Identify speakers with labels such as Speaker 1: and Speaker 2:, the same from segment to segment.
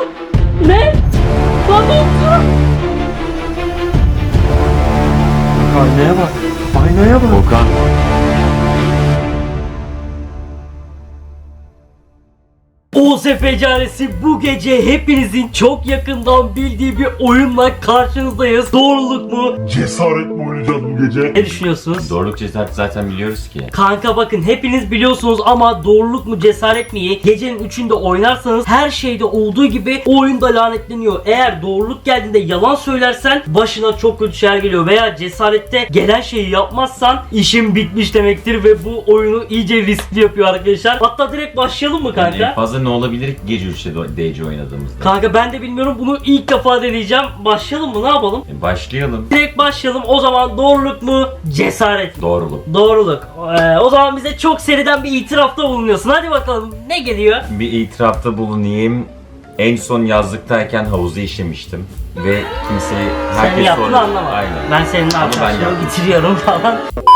Speaker 1: Ne? Lan ne oldu?
Speaker 2: Aynaya bak. Aynaya bak.
Speaker 3: Okan.
Speaker 1: OSF Caresi bu gece hepinizin çok yakından bildiği bir oyunla karşınızdayız. Doğruluk mu?
Speaker 4: Cesaret mi oynayacağız bu gece?
Speaker 1: Ne düşünüyorsunuz?
Speaker 3: Doğruluk cesaret zaten biliyoruz ki.
Speaker 1: Kanka bakın hepiniz biliyorsunuz ama doğruluk mu cesaret mi? Gecenin 3'ünde oynarsanız her şeyde olduğu gibi o oyunda lanetleniyor. Eğer doğruluk geldiğinde yalan söylersen başına çok kötü şeyler geliyor veya cesarette gelen şeyi yapmazsan işin bitmiş demektir ve bu oyunu iyice riskli yapıyor arkadaşlar. Hatta direkt başlayalım mı kanka?
Speaker 3: Yani en fazla ne olabilir ki gece 3'te DC oynadığımızda?
Speaker 1: Kanka ben de bilmiyorum, bunu ilk defa deneyeceğim. Başlayalım mı, ne yapalım?
Speaker 3: Başlayalım.
Speaker 1: Direkt başlayalım. O zaman doğruluk mu cesaret mi?
Speaker 3: Doğruluk.
Speaker 1: Doğruluk. O zaman bize çok seriden bir itirafta bulunuyorsun. Hadi bakalım ne geliyor?
Speaker 3: Bir itirafta bulunayım. En son yazlıktayken havuzu işemiştim. Ve kimseyi
Speaker 1: Sen yaptığını anlama.
Speaker 3: Aynen.
Speaker 1: Ben senin
Speaker 3: Ama ben
Speaker 1: arkadaşlarımı
Speaker 3: yaptım.
Speaker 1: bitiriyorum falan.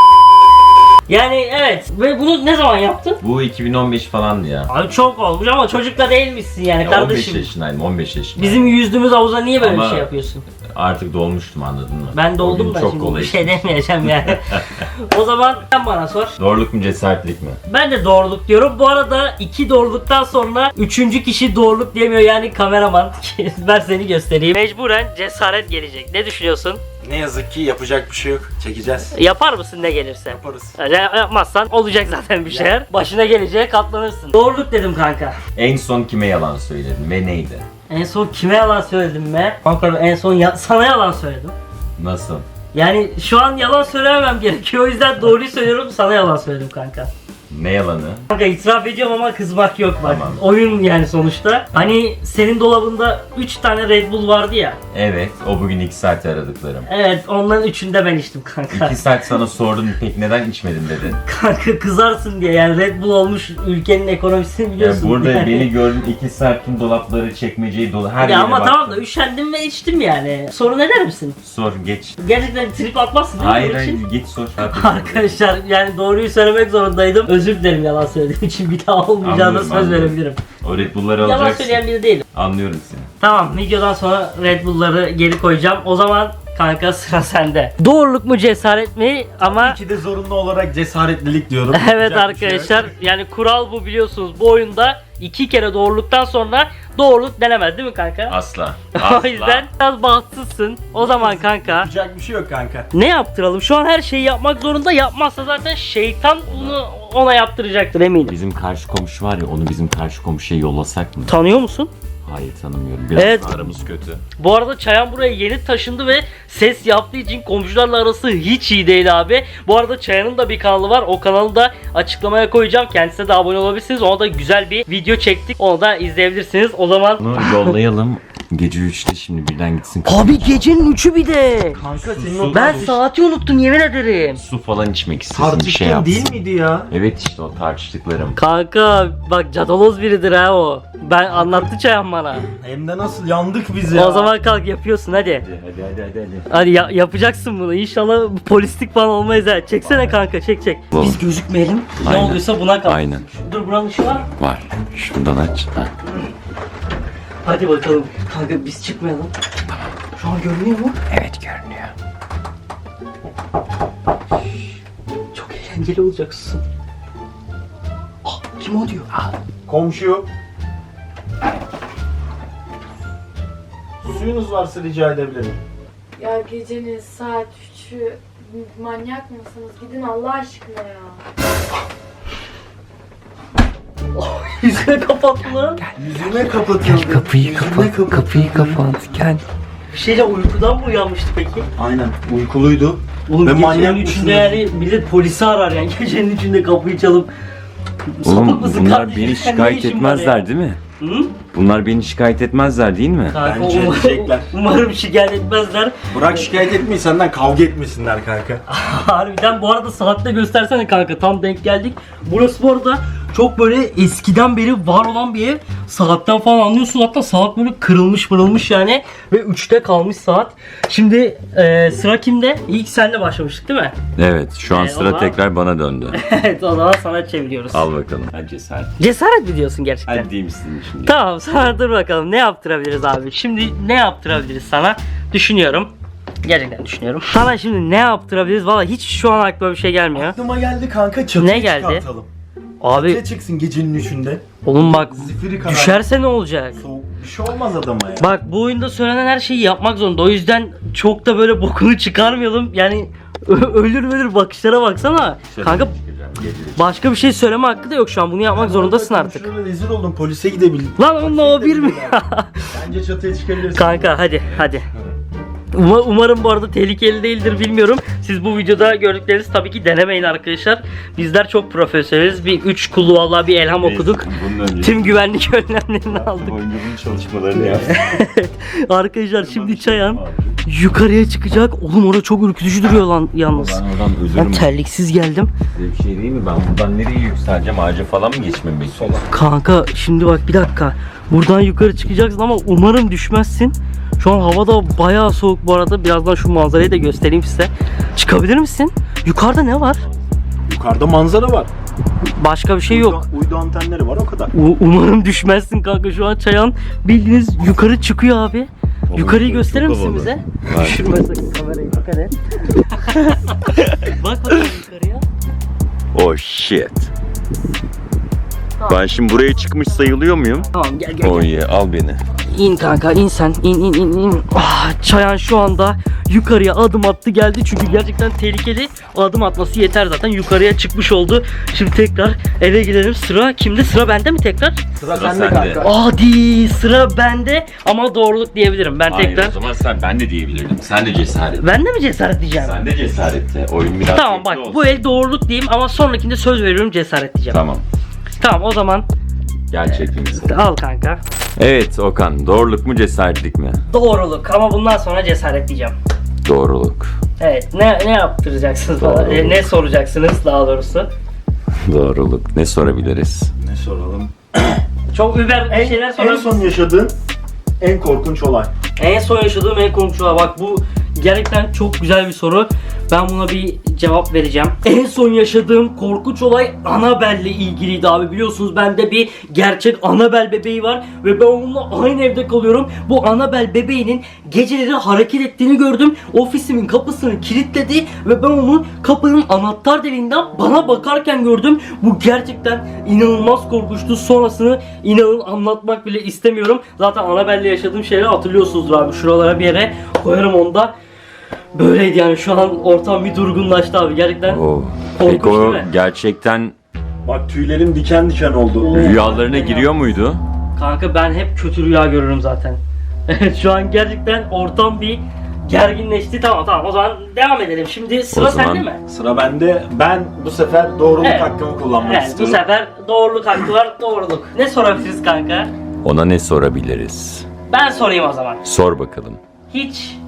Speaker 1: Yani evet. Ve bunu ne zaman yaptın?
Speaker 3: Bu 2015 falandı ya.
Speaker 1: Abi çok olmuş ama çocukla değilmişsin yani
Speaker 3: Ya
Speaker 1: kardeşim.
Speaker 3: 15 yaşındaydım, 15 yaşındaydım.
Speaker 1: Bizim yüzdüğümüz havuza niye böyle
Speaker 3: Ama
Speaker 1: bir şey yapıyorsun?
Speaker 3: Artık dolmuştum, anladın mı?
Speaker 1: Ben
Speaker 3: O
Speaker 1: doldum
Speaker 3: gün
Speaker 1: da
Speaker 3: çok
Speaker 1: şimdi
Speaker 3: kolay
Speaker 1: bir şey
Speaker 3: işmiş.
Speaker 1: demeyeceğim yani. O zaman sen bana sor.
Speaker 3: Doğruluk mu cesaretlik mi?
Speaker 1: Ben de doğruluk diyorum. Bu arada 2 doğruluktan sonra 3. kişi doğruluk diyemiyor yani kameraman. Ben seni göstereyim. Mecburen cesaret gelecek. Ne düşünüyorsun?
Speaker 2: Ne yazık ki yapacak bir şey yok. Çekeceğiz.
Speaker 1: Yapar mısın ne gelirse?
Speaker 2: Yaparız.
Speaker 1: Yani yapmazsan olacak zaten bir şeyler. Başına geleceğe katlanırsın. Doğruluk dedim kanka.
Speaker 3: En son kime yalan söyledin ve neydi?
Speaker 1: En son kime yalan söyledim be? Kanka en son sana yalan söyledim.
Speaker 3: Nasıl?
Speaker 1: Yani şu an yalan söylememem gerekiyor. O yüzden doğruyu söylüyorum, sana yalan söyledim kanka.
Speaker 3: Ne yalanı?
Speaker 1: Kanka itiraf ediyorum ama kızmak yok bak.
Speaker 3: Tamam.
Speaker 1: Oyun yani sonuçta. Hani senin dolabında 3 tane Red Bull vardı ya.
Speaker 3: Evet, o bugün 2 saat aradıklarım.
Speaker 1: Evet, onların 3'ünde ben içtim kanka.
Speaker 3: 2 saat sana sordum, peki neden içmedin dedin.
Speaker 1: Kanka kızarsın diye yani Red Bull olmuş ülkenin ekonomisini biliyorsun.
Speaker 3: Yani burada
Speaker 1: yani.
Speaker 3: beni gördün, 2 saat tüm dolapları, çekmeceyi dolu, her
Speaker 1: Ya
Speaker 3: yere
Speaker 1: ama
Speaker 3: baktım.
Speaker 1: tamam da üşendim ve içtim yani. Sorun eder misin?
Speaker 3: Sor, geç.
Speaker 1: Gerçekten trip atmazsın değil mi
Speaker 3: Hayır
Speaker 1: bunun için?
Speaker 3: hayır, git sor.
Speaker 1: Arkadaşlar yani doğruyu söylemek zorundaydım. Özür dilerim yalan söylediğim için, bir daha olmayacağına
Speaker 3: Anlıyorum,
Speaker 1: söz
Speaker 3: anlıyorum.
Speaker 1: verebilirim.
Speaker 3: O Red Bull'ları
Speaker 1: Yalan
Speaker 3: alacaksın.
Speaker 1: söyleyen biri değilim.
Speaker 3: Anlıyorum seni.
Speaker 1: Tamam, videodan sonra Red Bull'ları geri koyacağım. O zaman kanka sıra sende. Doğruluk mu cesaret mi? Ama
Speaker 2: İki de zorunlu olarak cesaretlilik diyorum.
Speaker 1: evet
Speaker 2: Yapacak bir şey yok.
Speaker 1: arkadaşlar yani kural bu biliyorsunuz. Bu oyunda 2 kere doğruluktan sonra doğruluk denemez değil mi kanka?
Speaker 3: Asla.
Speaker 1: O yüzden biraz bahtsızsın. O zaman kanka
Speaker 2: Yapacak bir şey yok kanka.
Speaker 1: ne yaptıralım? Şu an her şeyi yapmak zorunda. Yapmazsa zaten şeytan bunu ona yaptıracaktır eminim.
Speaker 3: Bizim karşı komşu var ya, onu bizim karşı komşuya yollasak mı?
Speaker 1: Tanıyor musun?
Speaker 3: Hayır, tanımıyorum. Biraz
Speaker 1: Evet.
Speaker 3: aramız kötü.
Speaker 1: Bu arada Çayan buraya yeni taşındı ve ses yaptığı için komşularla arası hiç iyi değil abi. Bu arada Çayan'ın da bir kanalı var. O kanalı da açıklamaya koyacağım. Kendisine de abone olabilirsiniz. Ona da güzel bir video çektik. Onu da izleyebilirsiniz. O zaman...
Speaker 3: Bunu yollayalım. Gece 3'te şimdi birden gitsin.
Speaker 1: Abi gecenin 3'ü bir de.
Speaker 2: Kanka senin
Speaker 3: Su-
Speaker 1: Ben saati unuttum yemin ederim.
Speaker 3: Su falan içmek istesin, bir şey
Speaker 2: tartıştığın
Speaker 3: yapsın.
Speaker 2: değil miydi ya?
Speaker 3: Evet, işte o tartıştıklarım.
Speaker 1: Kanka bak cadaloz biridir ha o. Ben anlattı Çayan bana.
Speaker 2: Hem de nasıl yandık biz ya.
Speaker 1: O zaman kalk yapıyorsun hadi.
Speaker 3: Hadi.
Speaker 1: Hadi yapacaksın bunu. İnşallah polislik falan olmayız ha. Çeksene kanka, çek. Biz gözükmeyelim. Ne
Speaker 3: Aynen.
Speaker 1: oluyorsa buna kal.
Speaker 3: Aynen.
Speaker 1: Dur, buranın ışığı var.
Speaker 3: Var. Şundan aç. Ha.
Speaker 1: Hadi bakalım. Kanka biz çıkmayalım. Şu an görünüyor mu?
Speaker 3: Evet, görünüyor.
Speaker 1: Çok eğlenceli olacaksın. Ah, kim o diyor?
Speaker 2: Komşu. Suyunuz varsa rica edebilirim.
Speaker 5: Ya gecenin saat 3'ü manyak mısınız? Gidin Allah aşkına ya.
Speaker 1: Yüzüne kapattı lan.
Speaker 2: Yüzüme kapatıldı.
Speaker 3: Kapıyı
Speaker 2: Yüzüme
Speaker 3: kapat. Kapıyı kapat. Gel.
Speaker 1: Bir şeyle uykudan mı uyanmıştı peki?
Speaker 2: Aynen. Uykuluydu.
Speaker 1: Oğlum
Speaker 2: Ve
Speaker 1: gecenin
Speaker 2: manyak
Speaker 1: üçünde
Speaker 2: mısınız?
Speaker 1: yani millet polisi arar yani. Gecenin üçünde kapıyı çalıp. Sapık
Speaker 3: Oğlum
Speaker 1: mısın
Speaker 3: bunlar
Speaker 1: kardeşim?
Speaker 3: beni
Speaker 1: Sen ne
Speaker 3: şikayet
Speaker 1: işin var ya?
Speaker 3: etmezler değil mi?
Speaker 1: Hı?
Speaker 3: Bunlar beni şikayet etmezler değil mi?
Speaker 1: Kanka,
Speaker 2: Bence edecekler.
Speaker 1: umarım şikayet etmezler.
Speaker 2: Bırak şikayet etmeyi, senden kavga etmesinler kanka.
Speaker 1: Harbiden bu arada saatte göstersene kanka, tam denk geldik. Burası bu arada çok böyle eskiden beri var olan bir ev. Saatten falan anlıyorsun, hatta saat böyle kırılmış yani. Ve 3'te kalmış saat. Şimdi sıra kimde? İlk senle başlamıştık değil mi?
Speaker 3: Evet, şu an
Speaker 1: o
Speaker 3: sıra
Speaker 1: zaman-
Speaker 3: tekrar bana döndü.
Speaker 1: Evet, o zaman sana çeviriyoruz.
Speaker 3: Al bakalım. Hadi cesaret.
Speaker 1: Cesaret mi diyorsun gerçekten?
Speaker 3: Hadi diyeyim sizin şimdi.
Speaker 1: Tamam sana dur bakalım ne yaptırabiliriz abi. Şimdi ne yaptırabiliriz sana? Düşünüyorum. Gerçekten düşünüyorum. Sana şimdi ne yaptırabiliriz? Valla hiç şu an aklıma bir şey gelmiyor.
Speaker 2: Aklıma geldi kanka, çatıya
Speaker 1: Ne geldi?
Speaker 2: çıkartalım.
Speaker 1: Abi
Speaker 2: Çatıya çıksın gecenin 3'ünde.
Speaker 1: oğlum bak
Speaker 2: Zifiri kadar.
Speaker 1: düşerse ne olacak?
Speaker 2: Soğuk bir şey olmaz adama ya.
Speaker 1: Bak bu oyunda söylenen her şeyi yapmak zorunda. O yüzden çok da böyle bokunu çıkarmayalım. Yani ölür bakışlara baksana. Kanka başka bir şey söyleme hakkı da yok şu an. Bunu yapmak zorundasın artık.
Speaker 2: Şurada rezil oldum, polise gidebildim.
Speaker 1: Lan onunla o bir mi?
Speaker 2: Bence çatıya çıkabilirsin.
Speaker 1: Kanka hadi. Umarım bu arada tehlikeli değildir, bilmiyorum. Siz bu videoda gördükleriniz tabii ki denemeyin arkadaşlar. Bizler çok profesyoneliz. Bir 3 kullu vallahi bir elham okuduk.
Speaker 3: Bunun önce
Speaker 1: Tüm güvenlik önlemlerini aldık.
Speaker 3: oyuncunun çalışmalarını yaptık.
Speaker 1: Arkadaşlar şimdi Çayan yukarıya çıkacak. Oğlum orada çok ürkütücü duruyor lan yalnız.
Speaker 3: Ben oradan
Speaker 1: Ben
Speaker 3: ölürüm.
Speaker 1: terliksiz geldim.
Speaker 3: Size bir şey değil mi? Ben buradan nereye yükseleceğim? Ağaca falan mı geçmem bekliyorum?
Speaker 1: Kanka şimdi bak bir dakika. Buradan yukarı çıkacaksın ama umarım düşmezsin. Şu an hava da bayağı soğuk bu arada. Birazdan şu manzarayı da göstereyim size. Çıkabilir misin? Yukarıda ne var?
Speaker 2: Yukarıda manzara var.
Speaker 1: Başka bir şey yok.
Speaker 2: Uydu antenleri var, o kadar.
Speaker 1: Umarım düşmezsin kanka. Şu an Çayan bildiğiniz yukarı çıkıyor abi. Yukarıyı
Speaker 3: çok
Speaker 1: gösterir misin
Speaker 3: havalı.
Speaker 1: bize?
Speaker 3: Var.
Speaker 1: Düşürme sakın kamerayı, bak hadi. Bak bakalım yukarıya.
Speaker 3: Oh shit. Ben şimdi buraya çıkmış sayılıyor muyum?
Speaker 1: Tamam gel.
Speaker 3: Oh yeah, al beni.
Speaker 1: İn kanka, in sen. İn. Çayan şu anda yukarıya adım attı geldi. Çünkü gerçekten tehlikeli. Adım atması yeter zaten. Yukarıya çıkmış oldu. Şimdi tekrar eve gidelim. Sıra kimde? Sıra bende mi tekrar?
Speaker 2: Sıra
Speaker 3: sende
Speaker 2: sende
Speaker 3: kanka.
Speaker 2: kanka.
Speaker 1: Hadi sıra bende ama doğruluk diyebilirim. Ben
Speaker 3: Hayır,
Speaker 1: tekrar.
Speaker 3: o zaman ben de diyebilirdim. Sen de cesaret.
Speaker 1: Ben de mi cesaret diyeceğim?
Speaker 3: Sen de cesaretle. Oyun biraz
Speaker 1: Tamam bak
Speaker 3: zevkli
Speaker 1: bu
Speaker 3: olsun.
Speaker 1: el doğruluk diyeyim ama sonrakinde söz veriyorum cesaret diyeceğim.
Speaker 3: Tamam.
Speaker 1: Tamam o zaman
Speaker 3: Gel çekeyim seni.
Speaker 1: al kanka.
Speaker 3: Evet Okan, doğruluk mu cesaretlik mi?
Speaker 1: Doğruluk ama bundan sonra cesaret diyeceğim.
Speaker 3: Doğruluk.
Speaker 1: Evet ne yaptıracaksınız bana?
Speaker 3: Doğruluk.
Speaker 1: Ne soracaksınız daha doğrusu?
Speaker 3: Doğruluk. Ne sorabiliriz?
Speaker 2: Ne soralım?
Speaker 1: Çok über bir şeyler
Speaker 2: En
Speaker 1: sorarım.
Speaker 2: son yaşadığın en korkunç olay.
Speaker 1: En son yaşadığım en korkunç olay. Bak bu gerçekten çok güzel bir soru. Ben buna bir cevap vereceğim. En son yaşadığım korkunç olay Annabelle'le ilgiliydi abi. Biliyorsunuz bende bir gerçek Annabelle bebeği var ve ben onunla aynı evde kalıyorum. Bu Annabelle bebeğinin geceleri hareket ettiğini gördüm. Ofisimin kapısını kilitledi ve ben onu kapının anahtar deliğinden bana bakarken gördüm. Bu gerçekten inanılmaz korkunçtu. Sonrasını inanın anlatmak bile istemiyorum. Zaten Annabelle'le yaşadığım şeyleri hatırlıyorsunuzdur abi. Şuralara bir yere koyarım onu da. Böyleydi yani, şu an ortam bir durgunlaştı abi gerçekten.
Speaker 3: Oh.
Speaker 1: Korkunç
Speaker 3: Peki o
Speaker 1: değil mi?
Speaker 3: gerçekten
Speaker 2: Bak tüylerim diken diken oldu.
Speaker 3: rüyalarına giriyor muydu?
Speaker 1: Kanka ben hep kötü rüya görürüm zaten. Evet şu an gerçekten ortam bir gerginleşti. Tamam o zaman devam edelim. Şimdi sıra
Speaker 3: O zaman-
Speaker 1: sende mi?
Speaker 2: Sıra bende. Ben bu sefer doğruluk
Speaker 1: Evet.
Speaker 2: hakkımı kullanmak
Speaker 1: Evet bu
Speaker 2: istiyorum.
Speaker 1: sefer doğruluk hakkı var, doğruluk. Ne sorabiliriz kanka?
Speaker 3: Ona ne sorabiliriz?
Speaker 1: Ben sorayım o zaman.
Speaker 3: Sor bakalım.
Speaker 1: Hiç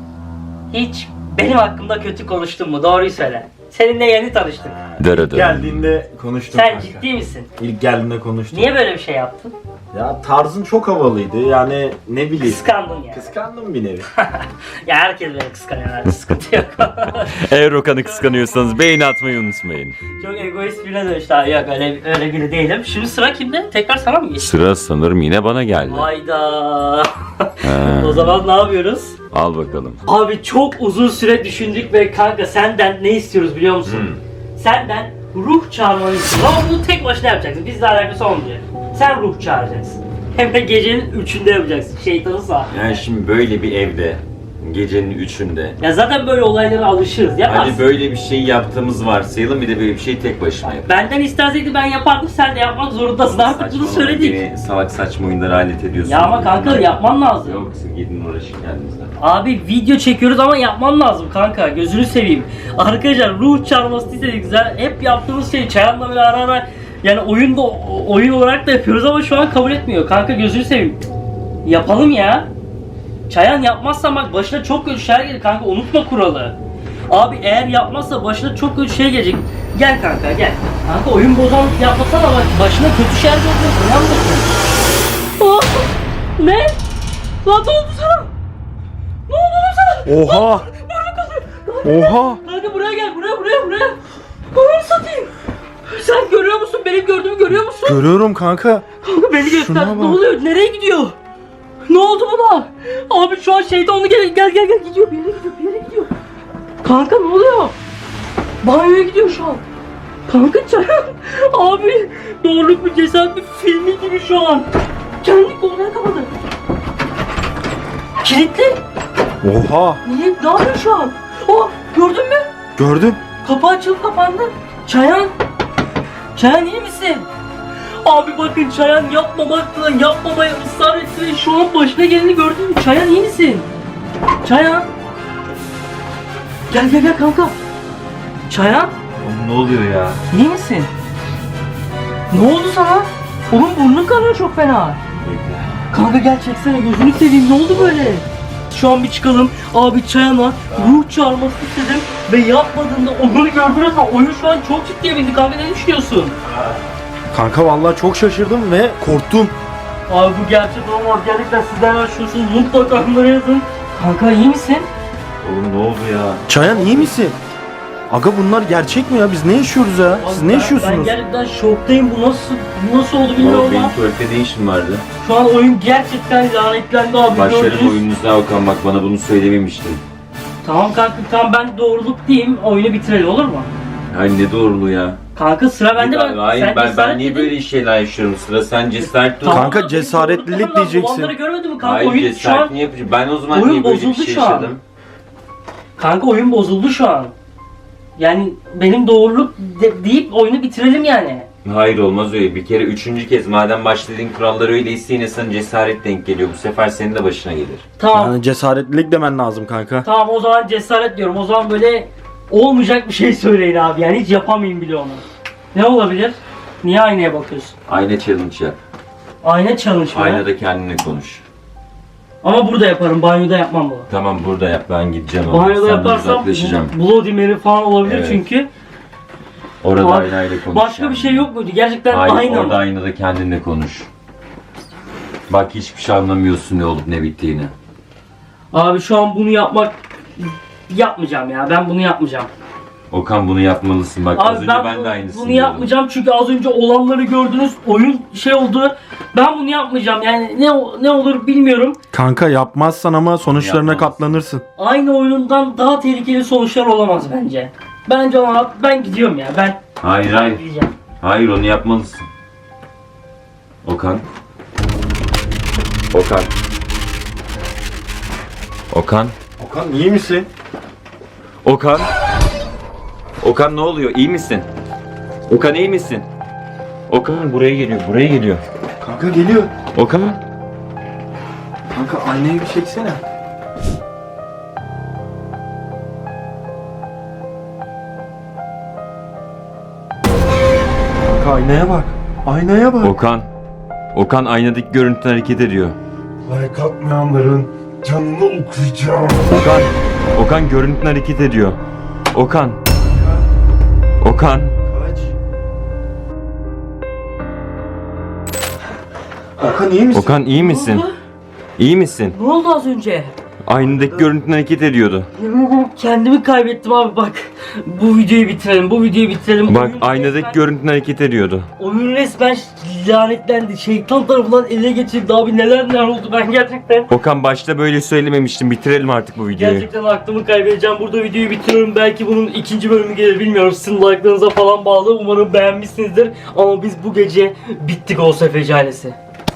Speaker 1: benim hakkımda kötü konuştun mu? Doğruyu söyle. Seninle yeni tanıştık.
Speaker 3: Dırıdı.
Speaker 2: Geldiğinde konuştum
Speaker 1: Sen
Speaker 2: kanka.
Speaker 1: ciddi misin?
Speaker 2: İlk geldiğinde konuştum.
Speaker 1: Niye böyle bir şey yaptın?
Speaker 2: Ya tarzın çok havalıydı. Yani ne bileyim.
Speaker 1: Kıskandın yani.
Speaker 2: Kıskandım bir nevi.
Speaker 1: Ya herkes beni kıskanıyor abi, sıkıntı yok.
Speaker 3: Eğer Okan'ı kıskanıyorsanız beğeni atmayı unutmayın.
Speaker 1: Çok egoist birine dönüştü abi. Yok öyle biri değilim. Şimdi sıra kimde? Tekrar sana mı geçti?
Speaker 3: Sıra sanırım yine bana geldi.
Speaker 1: Hayda.
Speaker 3: He.
Speaker 1: O zaman ne yapıyoruz?
Speaker 3: Al bakalım.
Speaker 1: Abi çok uzun süre düşündük ve kanka senden ne istiyoruz biliyor musun? Senden ruh çağırmanı istiyoruz ama bunu tek başına yapacaksın. Bizle alakası olmayacak. Sen ruh çağıracaksın. Hem de gecenin 3'ünde yapacaksın. Şeytanı sağ.
Speaker 3: Yani şimdi böyle bir evde gecenin 3'ünde
Speaker 1: Ya zaten böyle olaylara alışırız. Yaparsın.
Speaker 3: hani böyle bir şey yaptığımız varsayalım, bir de böyle bir şey tek başıma yap.
Speaker 1: Benden istenseydi ben yapardım, sen de yapmak zorundasın. Artık bunu söyledik.
Speaker 3: Beni salak saçma oyunlara alet ediyorsun.
Speaker 1: Ya ama kanka yapman lazım.
Speaker 3: Yok, siz gidin uğraşın kendinize.
Speaker 1: Abi video çekiyoruz ama yapman lazım kanka, gözünü seveyim. Arkadaşlar ruh çağırması istedik, güzel. Hep yaptığımız şey Çayan'la böyle ara ara yani oyun olarak da yapıyoruz ama şu an kabul etmiyor. Kanka gözünü seveyim. Yapalım ya. Çayan yapmazsa bak başına çok kötü şeyler gelir kanka, unutma kuralı. Abi eğer yapmazsa başına çok kötü şey gelecek. Gel kanka gel. Kanka oyun bozanlık yapmasana bak, başına kötü şeyler gelecek. Uyanmasın. Oh! Ne? Lan ne oldu sana? Ne oldu lan sana?
Speaker 2: Oha! Oha!
Speaker 1: Kanka buraya gel, buraya. Ananı satayım. Sen görüyor musun? Benim gördüğümü görüyor musun?
Speaker 2: Görüyorum kanka.
Speaker 1: Kanka beni göster.
Speaker 2: Şuna
Speaker 1: Ne
Speaker 2: bak.
Speaker 1: oluyor? Nereye gidiyor? Ne oldu buna? Abi şu an şeytanlı gel gidiyor. Bir yere gidiyor. Kanka ne oluyor? Banyoya gidiyor şu an. Kanka Çayan. Abi doğruluk mu cesaret mi filmi gibi şu an. Kendi koluna kapadı. Kilitli.
Speaker 2: Oha.
Speaker 1: Niye? Ne yapıyor şu an? Oh gördün mü?
Speaker 2: Gördüm.
Speaker 1: Kapı açılıp kapandı. Çayan. Çayan iyi misin? Abi bakın Çayan yapmamaya ısrar etti ve şu an başına geleni gördün mü? Çayan iyi misin? Çayan. Gel kanka. Çayan
Speaker 3: Oğlum ne oluyor ya?
Speaker 1: iyi misin? Ne oldu sana? Oğlum burnun kanıyor çok fena. Kanka gel çeksene gözünü seveyim ne oldu böyle? Şu an bir çıkalım. Abi Çayan'a ruh çağırması istedim ve yapmadığında onu gördünüz mü? Oyun şu an çok ciddiye bindi. Kanka ne düşünüyorsun?
Speaker 2: Kanka vallahi çok şaşırdım ve korktum.
Speaker 1: Abi bu gerçek olmaz. Gerçekten sizden yaşıyorsunuz. Mutlaka onlara yazın. Kanka iyi misin?
Speaker 3: Oğlum ne oldu ya?
Speaker 2: Çayan iyi misin? Aga bunlar gerçek mi ya? Biz ne yaşıyoruz ya? Siz
Speaker 1: Abi
Speaker 2: ne
Speaker 1: Ben
Speaker 2: yaşıyorsunuz?
Speaker 1: gerçekten şoktayım. Bu nasıl oldu bilmiyorum
Speaker 3: Oğlum benim
Speaker 1: ama
Speaker 3: tuvalette ne işim vardı?
Speaker 1: şu an oyun gerçekten lanetlendi abi.
Speaker 3: Başlarım
Speaker 1: gördünüz.
Speaker 3: oyununuza Okan, bak bana bunu söylememiştin.
Speaker 1: Tamam kanka tamam ben doğruluk diyeyim. Oyunu bitirelim olur mu?
Speaker 3: Ay ne doğruluğu ya.
Speaker 1: Kanka sıra bende
Speaker 3: Hayır
Speaker 1: sen
Speaker 3: ben
Speaker 1: cesaret
Speaker 3: niye
Speaker 1: dedin.
Speaker 3: böyle şeyler yaşıyorum? Sıra sen cesaret dur.
Speaker 2: Kanka,
Speaker 1: Tamam,
Speaker 2: cesaretlilik
Speaker 1: doğruluk yapamam.
Speaker 2: diyeceksin.
Speaker 1: Olanları görmedin mi kanka?
Speaker 3: Hayır
Speaker 1: Oyun şu an
Speaker 3: cesaret niye yapacağım? Ben o zaman
Speaker 1: oyun
Speaker 3: niye böyle bir
Speaker 1: bozuldu
Speaker 3: şey
Speaker 1: şu an.
Speaker 3: yaşadım?
Speaker 1: kanka oyun bozuldu şu an. Yani benim doğruluk deyip oyunu bitirelim yani.
Speaker 3: Hayır olmaz öyle. Bir kere üçüncü kez madem başladığın kurallar öyleyse yine sana cesaret denk geliyor. Bu sefer senin de başına gelir.
Speaker 1: Tamam.
Speaker 2: Yani cesaretlilik demen lazım kanka.
Speaker 1: Tamam o zaman cesaret diyorum. O zaman böyle olmayacak bir şey söyleyin abi. Yani hiç yapamayayım bile onu. Ne olabilir? Niye aynaya bakıyorsun?
Speaker 3: Ayna challenge yap.
Speaker 1: Ayna challenge mı?
Speaker 3: Aynada kendine konuş.
Speaker 1: Ama burada yaparım. Banyoda yapmam bunu.
Speaker 3: Tamam burada yap, ben gideceğim ama.
Speaker 1: Banyoda
Speaker 3: Senden
Speaker 1: yaparsam
Speaker 3: uzaklaşacağım.
Speaker 1: Bloody Mary falan olabilir
Speaker 3: Evet.
Speaker 1: çünkü.
Speaker 3: Orada
Speaker 1: Abi,
Speaker 3: aynayla konuş.
Speaker 1: Başka bir şey yok muydu? Gerçekten
Speaker 3: Hayır
Speaker 1: ayna
Speaker 3: orada
Speaker 1: mı?
Speaker 3: aynada kendinle konuş. Bak hiçbir şey anlamıyorsun ne olup ne bittiğini.
Speaker 1: Abi şu an bunu yapmayacağım ya. Ben bunu yapmayacağım.
Speaker 3: Okan bunu yapmalısın. Bak az
Speaker 1: Abi
Speaker 3: önce ben de aynısını
Speaker 1: bunu
Speaker 3: diyordum.
Speaker 1: yapmayacağım çünkü az önce olanları gördünüz. Oyun şey oldu. Ben bunu yapmayacağım. Yani ne olur bilmiyorum.
Speaker 2: Kanka yapmazsan ama sonuçlarına
Speaker 3: Yapmaz.
Speaker 2: katlanırsın.
Speaker 1: Aynı oyundan daha tehlikeli sonuçlar olamaz bence. Bence ama ben gidiyorum ya. Ben
Speaker 3: Hayır.
Speaker 1: gideceğim.
Speaker 3: Hayır onu yapmalısın. Okan. Okan.
Speaker 2: Okan iyi misin?
Speaker 3: Okan. Okan ne oluyor? İyi misin? Okan iyi misin? Okan buraya geliyor.
Speaker 2: Kanka geliyor.
Speaker 3: Okan.
Speaker 2: Kanka aynayı bir çeksene. Kanka aynaya bak. Aynaya bak.
Speaker 3: Okan aynadaki görüntü hareket ediyor.
Speaker 4: Like atmayanların canını okuyacağım.
Speaker 3: Okan görüntü hareket ediyor. Okan.
Speaker 2: Kaç. Okan iyi misin?
Speaker 3: Okan iyi misin?
Speaker 1: Ne oldu?
Speaker 3: İyi misin?
Speaker 1: Ne oldu az önce?
Speaker 3: Aynadaki görüntü hareket ediyordu.
Speaker 1: Yemin ederim kendimi kaybettim abi bak. Bu videoyu bitirelim.
Speaker 3: Bak
Speaker 1: Oyun
Speaker 3: aynadaki
Speaker 1: resmen-
Speaker 3: görüntü hareket ediyordu.
Speaker 1: Oyun resmen lanetlendi. Şeytan tarafından ele geçirdi abi. Neler oldu ben gerçekten.
Speaker 3: Okan başta böyle söylememiştim. Bitirelim artık bu videoyu.
Speaker 1: Gerçekten aklımı kaybedeceğim. Burada videoyu bitiriyorum. Belki bunun ikinci bölümü gelir bilmiyorum. Sizin like'larınıza falan bağlı. Umarım beğenmişsinizdir. Ama biz bu gece bittik Oğuz Efeci ailesi.